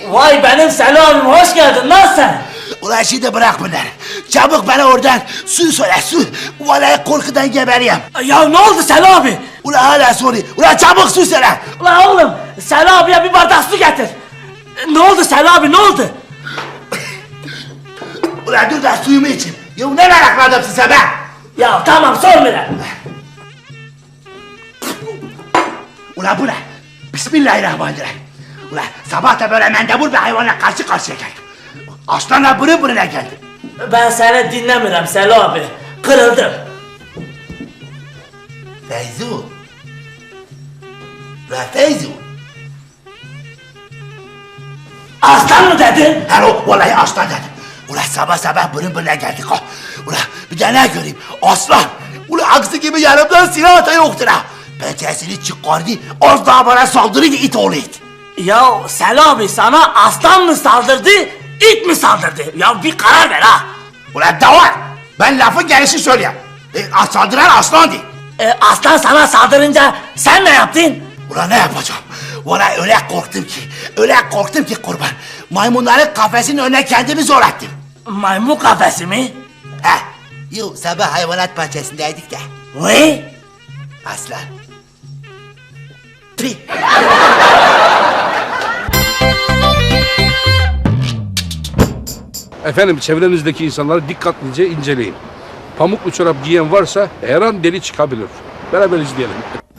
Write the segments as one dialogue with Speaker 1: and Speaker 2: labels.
Speaker 1: Vay benim Selam'ım, hoş geldin lan sen.
Speaker 2: Ulan şimdi bırak bunları. Çabuk bana oradan su söyle su. Vallahi korkudan geberiyim.
Speaker 1: Ya ne oldu Selam abi?
Speaker 2: Ulan hala soruyor. Ulan çabuk su söyle.
Speaker 1: Ulan oğlum, Selam abiye bir bardak su getir. Ne oldu Selam abi, ne oldu?
Speaker 2: Ulan dur da suyumu içeyim. Ya ne meraklı adamsın sen be?
Speaker 1: Ya tamam, sormayalım.
Speaker 2: Ulan bu ne? Bismillahirrahmanirrahim. Ulan sabah da böyle mendebur bir hayvanla karşı karşıya geldim. Aslanla burun buruna geldim.
Speaker 1: Ben seni dinlemiyorum Selam abi. Kırıldım.
Speaker 2: Feyzu. Ulan Feyzu.
Speaker 1: Aslan mı dedin?
Speaker 2: Hello, vallahi aslan dedim. Ulan sabah sabah burun buruna geldik ha. Ulan bir de ne göreyim? Aslan. Ulan aksi gibi yanımdan silah ata yoktur ha. Pençesini çıkardı, az daha bana saldırıydı it oğlu it.
Speaker 1: Ya Selam abi, sana aslan mı saldırdı, it mi saldırdı? Ya bir karar ver ha.
Speaker 2: Ulan davar, ben lafın gelişi söyleyeyim. Saldıran aslandı.
Speaker 1: Aslan sana saldırınca sen ne yaptın?
Speaker 2: Ulan ne yapacağım? Vallahi öyle korktum ki kurban. Maymunların kafesinin önüne kendimi zor ettim.
Speaker 1: Maymun kafesi mi?
Speaker 2: He, yo sabah hayvanat bahçesindeydik de.
Speaker 1: Vay.
Speaker 2: Aslan. Tri.
Speaker 3: Efendim çevrenizdeki insanları dikkatlice inceleyin. Pamuklu çorap giyen varsa her an deli çıkabilir. Beraber izleyelim.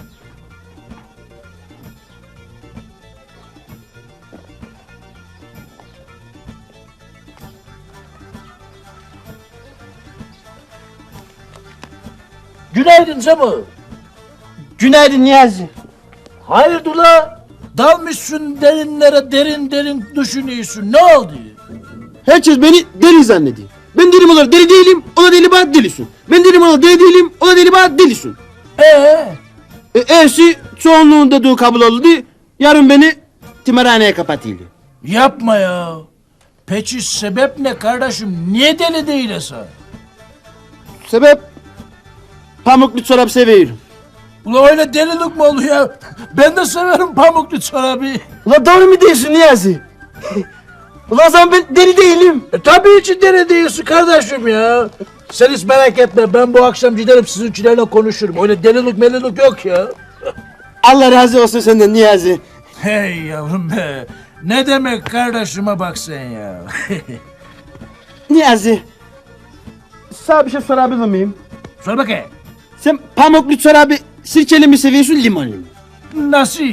Speaker 4: Günaydın Cemo.
Speaker 5: Günaydın Niyazi.
Speaker 4: Hayırdır la? Dalmışsın derinlere, derin derin düşünüyorsun. Ne oldu?
Speaker 5: Herkes beni deli zannediyor. Ben delim olarak deli değilim, o da deli bana delisin. Ben delim olarak deli değilim, o da deli bana delisin. E'si çoğunluğun dediği kabul oldu. Yarın beni timarhaneye kapatıyorlar.
Speaker 4: Yapma ya. Peki sebep ne kardeşim? Niye deli değilsin?
Speaker 5: Sebep pamuklu çorap seviyorum.
Speaker 4: Ula öyle delilik mi oluyor? Ben de severim pamuklu çorabı.
Speaker 5: Ulan doğru mu diyorsun Niyazi? Ulan o zaman ben deli değilim.
Speaker 4: Tabii ki deli değilsin kardeşim ya. Sen hiç merak etme, ben bu akşam giderim sizinkilerle konuşurum. Öyle delilik melilik yok ya.
Speaker 5: Allah razı olsun senden Niyazi.
Speaker 4: Hey yavrum be. Ne demek kardeşime bak sen ya.
Speaker 5: Niyazi. Sana bir şey sorabilir miyim?
Speaker 4: Sor bakayım.
Speaker 5: Sen pamuklu çorabı sirkeli mi seviyorsun limonlu mu?
Speaker 4: Nasıl?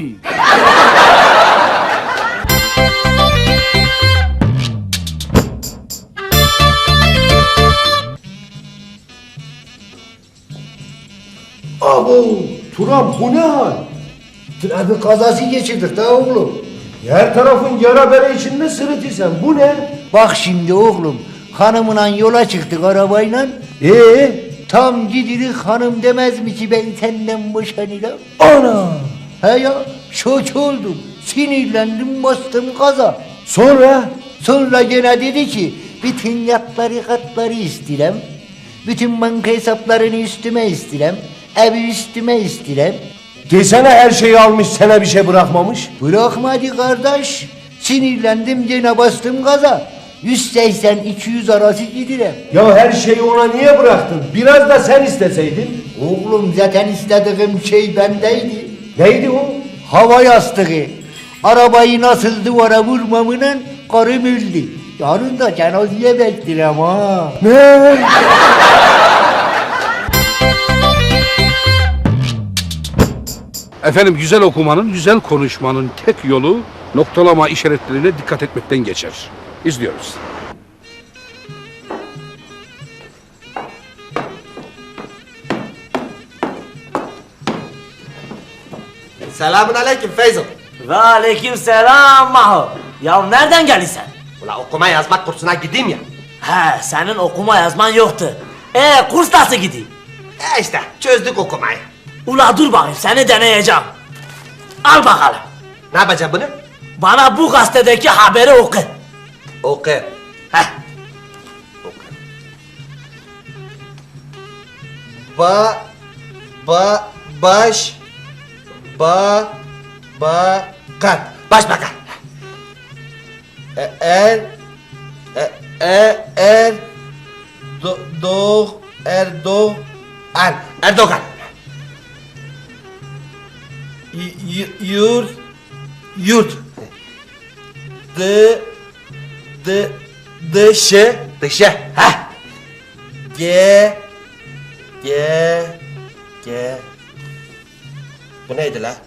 Speaker 6: Abo, Turan bu ne hal? Trafik kazası geçirdik da oğlum. Her tarafın yara bere içinde sırıtırsan bu ne?
Speaker 7: Bak şimdi oğlum, hanımla yola çıktık arabayla. Tam gidirik hanım demez mi ki ben senden boşanırım?
Speaker 6: Ana!
Speaker 7: He ya, şok oldum, sinirlendim bastım gaza.
Speaker 6: Sonra
Speaker 7: Gene dedi ki, bütün yatları katları istirem. Bütün banka hesaplarını üstüme istirem. Evi üstüme istirem.
Speaker 6: desene her şeyi almış sana bir şey bırakmamış.
Speaker 7: Bırakmadı kardeş. Sinirlendim gene bastım gaza. 180-200 arası gidirem.
Speaker 6: Ya her şeyi ona niye bıraktın? Biraz da sen isteseydin.
Speaker 7: Oğlum zaten istediğim şey bendeydi.
Speaker 6: Neydi o?
Speaker 7: Hava yastığı. Arabayı nasıl duvara vurmamla karım öldü. Yarın da cenazeye beklerim ha.
Speaker 6: Ne?
Speaker 3: Efendim güzel okumanın, güzel konuşmanın tek yolu noktalama işaretlerine dikkat etmekten geçer. İzliyoruz.
Speaker 8: Selamun aleyküm Feyzo.
Speaker 1: Ve aleyküm selam Maho. Ya nereden geldin sen?
Speaker 8: Ula okuma yazmak kursuna gideyim ya.
Speaker 1: He, senin okuma yazman yoktu. Kurs nasıl gidiyor?
Speaker 8: İşte çözdük okumayı.
Speaker 1: Ula dur bakayım, seni deneyeceğim. Al bakalım.
Speaker 8: Ne yapacağım bunu?
Speaker 1: Bana bu gazetedeki haberi oku.
Speaker 8: Oku.
Speaker 1: Heh.
Speaker 8: Başbakan. Er Erdoğan. Yurt. Dışı. Ha. Bu neydi la?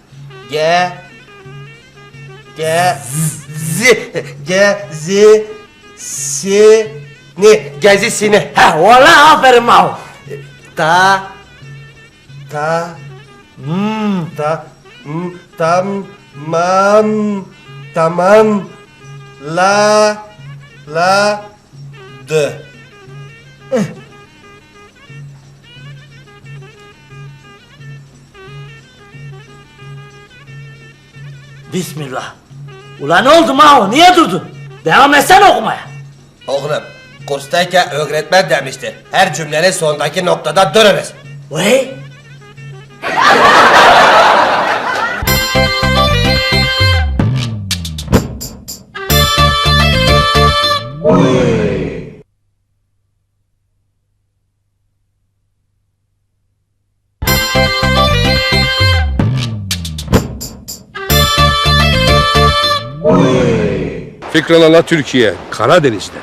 Speaker 8: Gezisini.
Speaker 1: Ha valla aferin Mao.
Speaker 8: Tamam. Dı.
Speaker 1: Bismillah. Ulan ne oldu Mao? Niye durdun? Devam etsene okumaya.
Speaker 8: Oğlum, kurstayken öğretmen demişti. Her cümlenin sondaki noktada durunuz.
Speaker 1: Vay.
Speaker 3: Fikralala Türkiye, Karadeniz'de.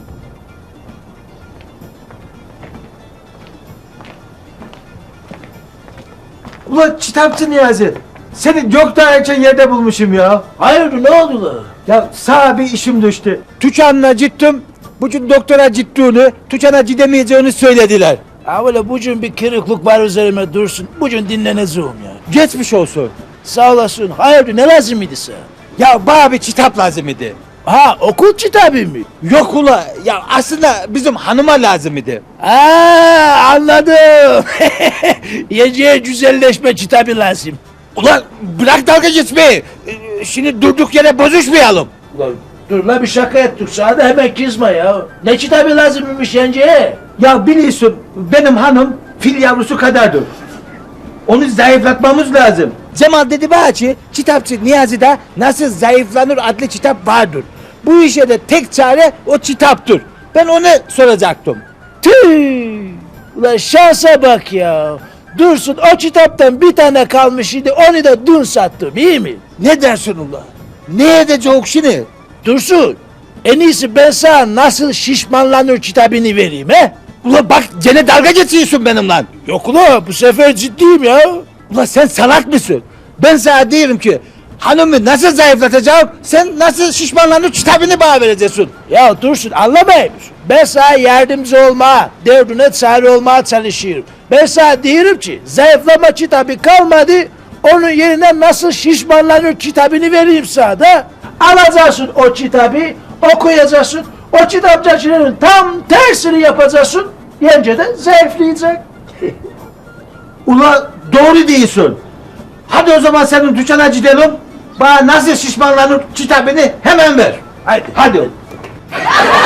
Speaker 6: Ulan kitapçı Niyazi. Seni çok daha erken yerde bulmuşum ya.
Speaker 4: Hayırdır ne oldu la?
Speaker 6: Ya sana bir işim düştü.
Speaker 9: Tüçan'la gittim. Bugün doktora gittiğini, Tüçan'a gidemeyeceğini söylediler.
Speaker 4: Ha böyle bugün bir kırıklık var üzerime dursun. Bugün dinleneceğim ya.
Speaker 9: Geçmiş olsun.
Speaker 4: Sağ olasın. Hayırdır ne lazım idi sana?
Speaker 9: Ya bana bir kitap lazım idi.
Speaker 4: Ha okul kitabı mı?
Speaker 9: Yok ula, ya aslında bizim hanıma lazım idi.
Speaker 4: Ha anladım. Yiyeceğe güzelleşme kitabı lazım.
Speaker 9: Ulan bırak dalga geçmeyi. Şimdi durduk yere bozuşmayalım.
Speaker 4: Ulan dur la bir şaka ettik sana da hemen kızma ya. Ne kitabı lazımmış yenge?
Speaker 9: Ya biliyorsun benim hanım fil yavrusu kadardır. Onu zayıflatmamız lazım. Cemal dedi bana ki kitapçı Niyazi'de Nasıl Zayıflanır adlı kitap vardır. Bu işe de tek çare o kitaptır. Ben onu soracaktım.
Speaker 4: Tüh! Ulan şansa bak ya. Dursun o kitaptan bir tane kalmış idi onu da dün sattım iyi mi?
Speaker 9: Ne dersin ula? Ne edecek şimdi?
Speaker 4: Dursun en iyisi ben sana Nasıl Şişmanlanır kitabını vereyim he?
Speaker 9: Ula bak gene dalga geçiyorsun benimle.
Speaker 4: Yok ula bu sefer ciddiyim ya.
Speaker 9: Ula sen salak mısın? Ben sana diyorum ki hanımı nasıl zayıflatacağım, sen nasıl şişmanlanır kitabını bana vereceksin.
Speaker 4: Ya Dursun anlamıyor musun? Ben sana yardımcı olmaya, derdine çare olmaya çalışıyorum. Ben sana diyorum ki zayıflama kitabı kalmadı, onun yerine Nasıl Şişmanlanır kitabını vereyim sana da. Alacaksın o kitabı, okuyacaksın, o kitapçıların tam tersini yapacaksın, yenge de zayıflayacak.
Speaker 9: Ula doğru diyorsun. Hadi o zaman senin dükkana gidelim. Bana nasıl şişmanlanır kitabını hemen ver.
Speaker 4: Haydi.
Speaker 9: Hadi.